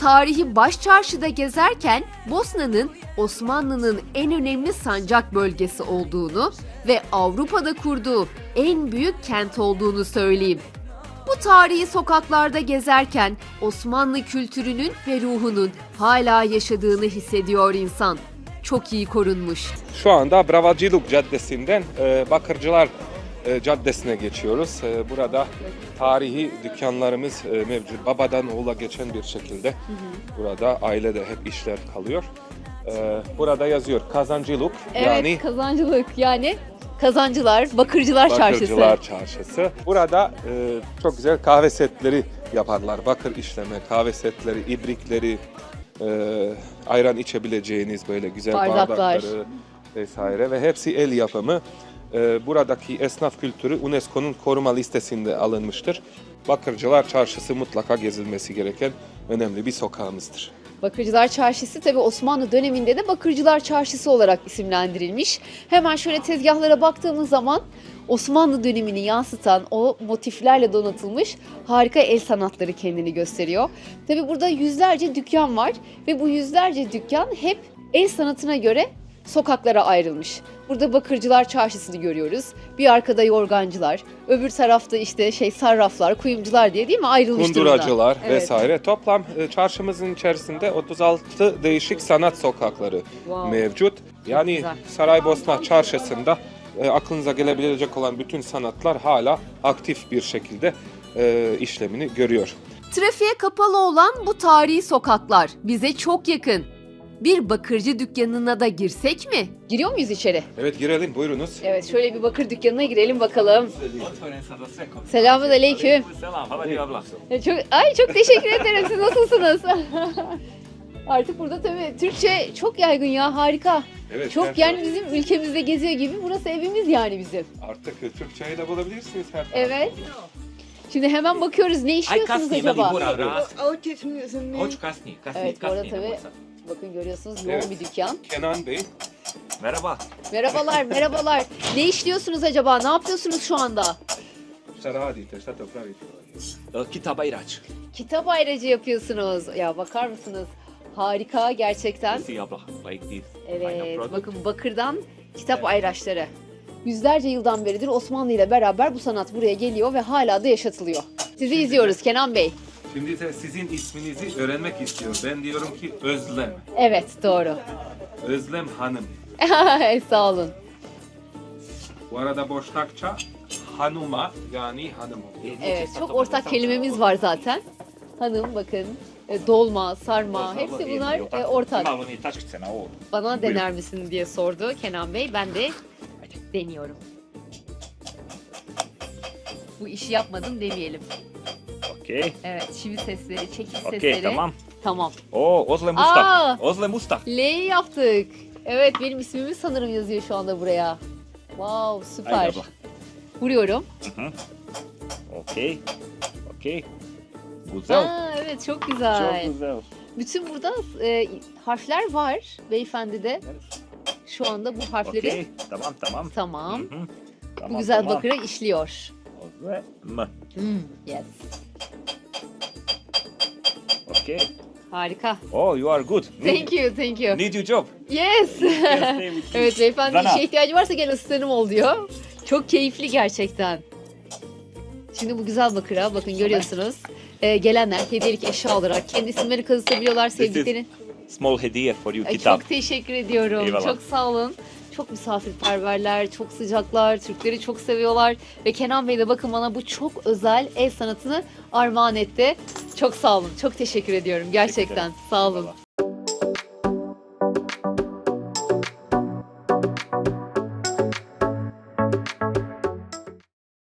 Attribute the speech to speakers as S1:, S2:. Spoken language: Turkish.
S1: Tarihi Başçarşı'da gezerken Bosna'nın Osmanlı'nın en önemli sancak bölgesi olduğunu ve Avrupa'da kurduğu en büyük kent olduğunu söyleyeyim. Bu tarihi sokaklarda gezerken Osmanlı kültürünün ve ruhunun hala yaşadığını hissediyor insan. Çok iyi korunmuş.
S2: Şu anda Bravacılık Caddesi'nden Bakırcılar Caddesi'ne geçiyoruz. Burada tarihi dükkanlarımız mevcut. Babadan oğula geçen bir şekilde. Burada ailede hep işler kalıyor. Burada yazıyor kazancılık,
S1: Evet,
S2: yani
S1: kazancılık yani kazancılar, bakırcılar çarşısı.
S2: Bakırcılar Çarşısı. Burada çok güzel kahve setleri yaparlar. Bakır işleme, kahve setleri, ibrikleri, ayran içebileceğiniz böyle güzel
S1: Bardaklar.
S2: bardakları vesaire ve hepsi el yapımı. Buradaki esnaf kültürü UNESCO'nun koruma listesinde alınmıştır. Bakırcılar Çarşısı mutlaka gezilmesi gereken önemli bir sokağımızdır.
S1: Bakırcılar Çarşısı tabii Osmanlı döneminde de Bakırcılar Çarşısı olarak isimlendirilmiş. Hemen şöyle tezgahlara baktığımız zaman Osmanlı dönemini yansıtan o motiflerle donatılmış harika el sanatları kendini gösteriyor. Tabii burada yüzlerce dükkan var ve bu yüzlerce dükkan hep el sanatına göre sokaklara ayrılmış. Burada Bakırcılar Çarşısı'nı görüyoruz. Bir arkada yorgancılar, öbür tarafta işte sarraflar, kuyumcular diye değil mi ayrılmış durumda.
S2: Kunduracılar
S1: Evet.
S2: vesaire. Toplam çarşımızın içerisinde 36 değişik sanat sokakları
S1: Wow.
S2: mevcut. Yani
S1: güzel.
S2: Saraybosna Çarşısı'nda aklınıza gelebilecek olan bütün sanatlar hala aktif bir şekilde işlemini görüyor.
S1: Trafiğe kapalı olan bu tarihi sokaklar bize çok yakın. Bir bakırcı dükkanına da girsek mi? Giriyor muyuz içeri?
S2: Evet, girelim, buyurunuz.
S1: Evet, şöyle bir bakır dükkanına girelim bakalım. Selamünaleyküm.
S3: Selam, hadi abla.
S1: Çok teşekkür ederim. Siz nasılsınız? Artık burada tabii Türkçe çok yaygın ya, harika.
S2: Evet,
S1: Çok yani bizim ülkemizde geziyor gibi. Burası evimiz yani bizim.
S2: Artık Türkçeyi de bulabilirsiniz her tarafta.
S1: Evet. Şimdi hemen bakıyoruz. Ne
S3: Aj
S1: işliyorsunuz
S3: kasnije,
S1: acaba?
S3: meni mora vrat.
S4: Hoćeš
S3: Hoću kasnije,
S1: Evet, bu arada
S3: kasnije
S1: tabii
S3: idemo sad.
S1: bakın görüyorsunuz yoğun
S2: Evet.
S1: bir dükkan.
S2: Kenan Bey,
S3: Merhaba.
S1: Merhabalar, merhabalar. Ne işliyorsunuz acaba? Ne yapıyorsunuz şu anda?
S2: šta radite, šta to pravite?
S3: Kitaba irač.
S1: Kitap ayracı yapıyorsunuz. Ya bakar mısınız? Harika gerçekten.
S3: Si abla, like this.
S1: Evet,
S3: Final product.
S1: bakın bakırdan kitap ayraçları. Yüzlerce yıldan beridir Osmanlı ile beraber bu sanat buraya geliyor ve hala da yaşatılıyor. Sizi izliyoruz Kenan Bey.
S2: Şimdi de sizin isminizi öğrenmek istiyor. Ben diyorum ki Özlem.
S1: Evet, doğru.
S2: Özlem Hanım.
S1: Sağ olun.
S2: Bu arada Boşnakça hanuma, yani hanım.
S1: Evet, çok ortak kelimemiz var zaten. Hanım bakın, dolma, sarma, hepsi bunlar ortak.
S3: Malo mi tačkice na ovo.
S1: Bana dener misin diye sordu Kenan Bey. Ben de deniyorum. Bu işi yapmadım demeyelim.
S3: Okej.
S1: Evet, çivi sesleri, çekiç
S3: Okej,
S1: sesleri.
S3: tamam.
S1: Tamam.
S3: O, Ozlem
S1: Aa!
S3: Usta. Ozlem Usta.
S1: L'yi yaptık. Evet, benim ismimi sanırım yazıyor şu anda buraya. Wow, süper.
S3: Haydi abla.
S1: Vuruyorum.
S3: Okej. Okej. Güzel.
S1: Aa, evet, çok güzel.
S3: Çok güzel.
S1: Bütün burada harfler var beyefendi de. Şu anda bu harfleri
S3: Okej, tamam tamam.
S1: tamam.
S3: Hı.
S1: Bu
S3: Tamam,
S1: güzel
S3: tamam.
S1: bakıra işliyor.
S3: Ozlem.
S1: Yes.
S3: Okej.
S1: Harika.
S3: Oh, you are good.
S1: Thank you, thank you.
S3: Need your job.
S1: Yes.
S3: Stay with you.
S1: Evet, beyefendi
S3: Zanaat.
S1: işe ihtiyacı varsa gel asistanım ol diyor. Çok keyifli gerçekten. Şimdi bu güzel bakıra bakın görüyorsunuz. Gelenler hediyelik eşya olarak kendi isimlerini kazıtabiliyorlar sevdiklerini.
S3: Small hediye for you,
S1: Ay,
S3: kitap.
S1: çok teşekkür ediyorum.
S3: Eyvallah.
S1: Çok sağ olun. Çok misafirperverler, çok sıcaklar, Türkleri çok seviyorlar. Ve Kenan Bey de bakın bana bu çok özel el sanatını armağan etti. Çok sağ olun, çok teşekkür ediyorum gerçekten. Sağ olun.
S3: Eyvallah.